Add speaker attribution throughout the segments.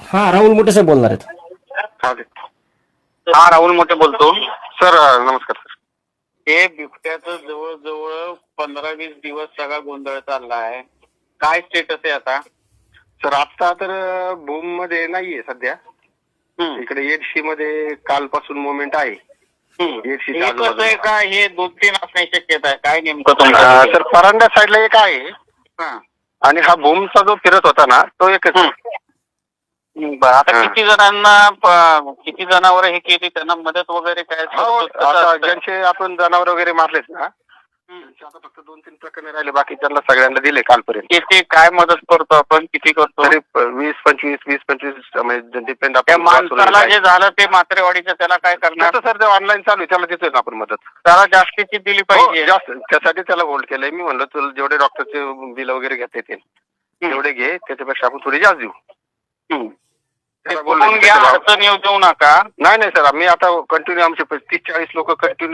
Speaker 1: हा, राहुल मोठे साहेब बोलणार आहेत.
Speaker 2: हा, राहुल मोठे बोलतो.
Speaker 3: सर नमस्कार सर.
Speaker 2: हे बिबट्याचं जवळजवळ 15-20 दिवस सगळा गोंधळ चालला आहे. काय स्टेटस आहे आता?
Speaker 3: सर आता तर भूम मध्ये नाहीये सध्या. इकडे एडशी मध्ये कालपासून मुवमेंट आहे. एडशी
Speaker 2: हे कसं आहे का, हे 2-3 असण्याची शक्यता आहे? काय नेमकं तुमचं?
Speaker 3: सर परांडा साईडला एक आहे
Speaker 2: हा.
Speaker 3: आणि हा भूमचा जो फिरत होता ना तो एकच.
Speaker 2: बरं, आता किती जनावर हे केली, त्यांना मदत वगैरे काय?
Speaker 3: आता ज्यांचे आपण जनावर वगैरे मारलेत ना आता फक्त 2-3 प्रकरणे राहिले, बाकी त्यांना सगळ्यांना दिले कालपर्यंत.
Speaker 2: किती काय मदत करतो आपण, किती करतो?
Speaker 3: तरी 20-25 म्हणजे डिपेंड.
Speaker 2: त्या माणसाला जे झालं ते म्हात्रेवाडीचं, त्याला काय करणार?
Speaker 3: सर ते ऑनलाईन चालू आहे, त्याला देतोय ना आपण मदत.
Speaker 2: त्याला जास्तीची दिली पाहिजे.
Speaker 3: जास्त त्यासाठी त्याला होल्ड केलंय. मी म्हणलं तुला जेवढे डॉक्टरचे बिल वगैरे घेता येतील तेवढे घे, त्याच्यापेक्षा आपण थोडी जास्त देऊ.
Speaker 2: अडचण येऊ देऊ नका.
Speaker 3: नाही सर, मी आता कंटिन्यू आमचे 30-40 लोक कंटिन्यू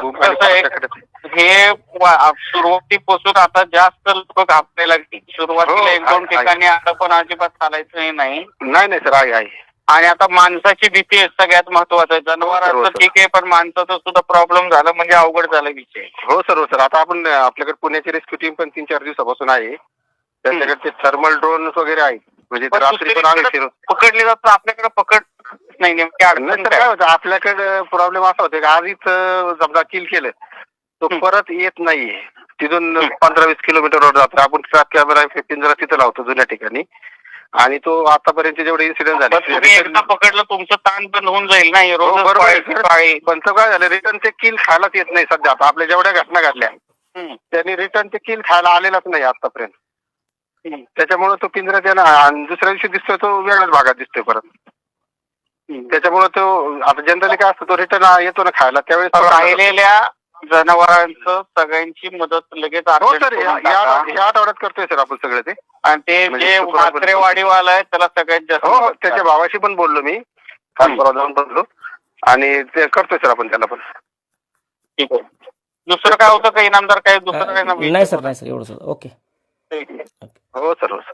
Speaker 2: हे सुरुवातीपासून आता जास्त लोक घाबरायला लागली. सुरुवातीला 1-2 ठिकाणी आता पण अजिबात चालायचं नाही.
Speaker 3: सर आहे.
Speaker 2: आणि आता माणसाची भीती आहे सगळ्यात महत्वाचं. जनावरांचं ठीक आहे, पण माणसाचा सुद्धा प्रॉब्लेम झाला म्हणजे अवघड झाला विषय.
Speaker 3: हो सर. आता आपण आपल्याकडे पुण्याची रेस्क्यू टीम पण 3-4 दिवसापासून आहे. त्यांच्याकडे ते थर्मल ड्रोन वगैरे आहेत, म्हणजे रात्री पण आम्ही
Speaker 2: पकडले जातात. आपल्याकडे पकड नाही. नेमकी अडचण
Speaker 3: काय होतं, आपल्याकडे प्रॉब्लेम असा होता की आधीच समजा किल केलं तो परत येत नाहीये. तिथून 15-20 किलोमीटरवर जातो. आपण ट्रॅप कॅमेरा पिंजरा तिथं लावतो जुन्या ठिकाणी, आणि तो आतापर्यंत जेवढे इन्सिडेंट झाले
Speaker 2: एकदा पकडलं तुमचं ताण बंद होऊन जाईल ना.
Speaker 3: पण तो काय झालं, रिटर्न ते किल खायलाच येत नाही सध्या. आता आपल्या जेवढ्या घटना घडल्या त्यांनी रिटर्न ते किल खायला आलेलाच नाही आतापर्यंत. त्याच्यामुळे तो पिंजरा त्याला दुसऱ्या दिवशी दिसतोय तो वेगळ्याच भागात दिसतोय परत. त्याच्यामुळे तो आता जनरली काय असतं, तो रिटर्न येतो ना खायला त्यावेळेस
Speaker 2: राहिलेल्या जनावरांचं सगळ्यांची मदत लगेच.
Speaker 3: हो सर, ह्या आठवड्यात करतोय सर आपण सगळं ते.
Speaker 2: आणि ते जे म्हात्रेवाडीवाला आहे त्याला सगळ्यात जास्त.
Speaker 3: हो, त्याच्या भावाशी पण बोललो मी, काल परवा जाऊन बोललो, आणि ते करतोय सर आपण त्याला पण.
Speaker 2: ठीक आहे. दुसरं काय होतं का इनामदार? काय दुसरं काय?
Speaker 1: नाही सर, एवढं सर. ओके.
Speaker 3: हो सर.